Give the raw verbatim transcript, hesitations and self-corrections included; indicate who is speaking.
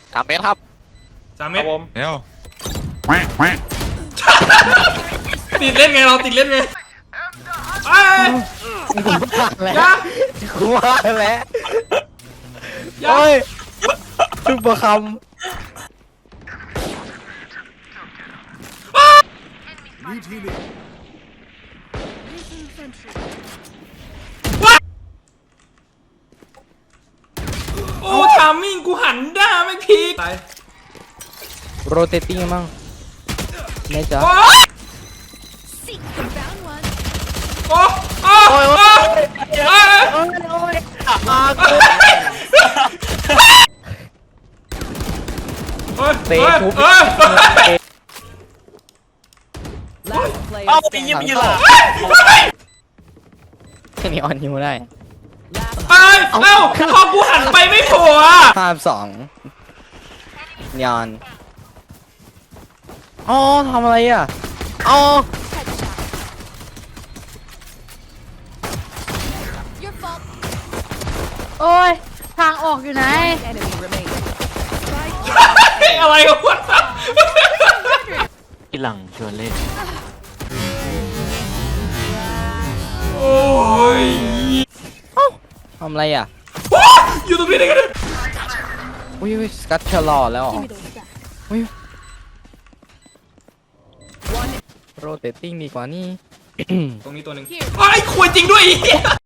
Speaker 1: สามเมตรครับ
Speaker 2: สามเม
Speaker 3: ครั
Speaker 2: ต
Speaker 3: บ
Speaker 2: ร
Speaker 3: ผม
Speaker 4: เร็ว
Speaker 2: ติดเล่นไงเราติดเล่นไงไอ้
Speaker 1: กูว่าแล้ว
Speaker 2: ยา
Speaker 1: กูว่าแล้ว
Speaker 2: ยา
Speaker 1: โอ้ยซุปเปอร์คัม
Speaker 2: โอ้ทามมิ่งกูหันด้าไม่พีกตาย
Speaker 1: โรเตติ้งมั้งแน่จ๊ะ
Speaker 2: โอ้
Speaker 5: Seek the bound one.
Speaker 2: โอ้โอ้โอ้โอ้
Speaker 1: โอ้ยโอ้ยอากู
Speaker 2: เฮ้ย
Speaker 1: เตะ
Speaker 2: เฮ้ย
Speaker 1: ทุบ
Speaker 2: เฮ้ย
Speaker 5: Last player
Speaker 3: เอ้าไอ้
Speaker 5: standing.
Speaker 3: ยี่ปีหล่ะ
Speaker 1: แค่นี้ออนฮิวได้
Speaker 5: Last
Speaker 2: เอ้ยเอ้าพอกูหันไปไม่โผล่อะ
Speaker 1: ภาพสองยอนอ๋อทำอะไรอ่ะอ๋อ
Speaker 5: your fault.
Speaker 6: โอ้ย ทางออกอยู่ไหน
Speaker 5: Enemy remaining.
Speaker 2: อะไรกันวะ
Speaker 7: พี่หลังชวนเล่น
Speaker 2: โอ้ย
Speaker 1: ทำอะไรอ่ะ
Speaker 2: อยู่ตรงนี้ได้ไงเนี่ย
Speaker 1: อุ้ยสกัดเชลลอแล้วเหรออุ้ยโรเตติ้งดีกว่านี่
Speaker 2: ตรงนี้ตัวหนึ่งไอ้ควรจริงด้วยไอ้เหี้ย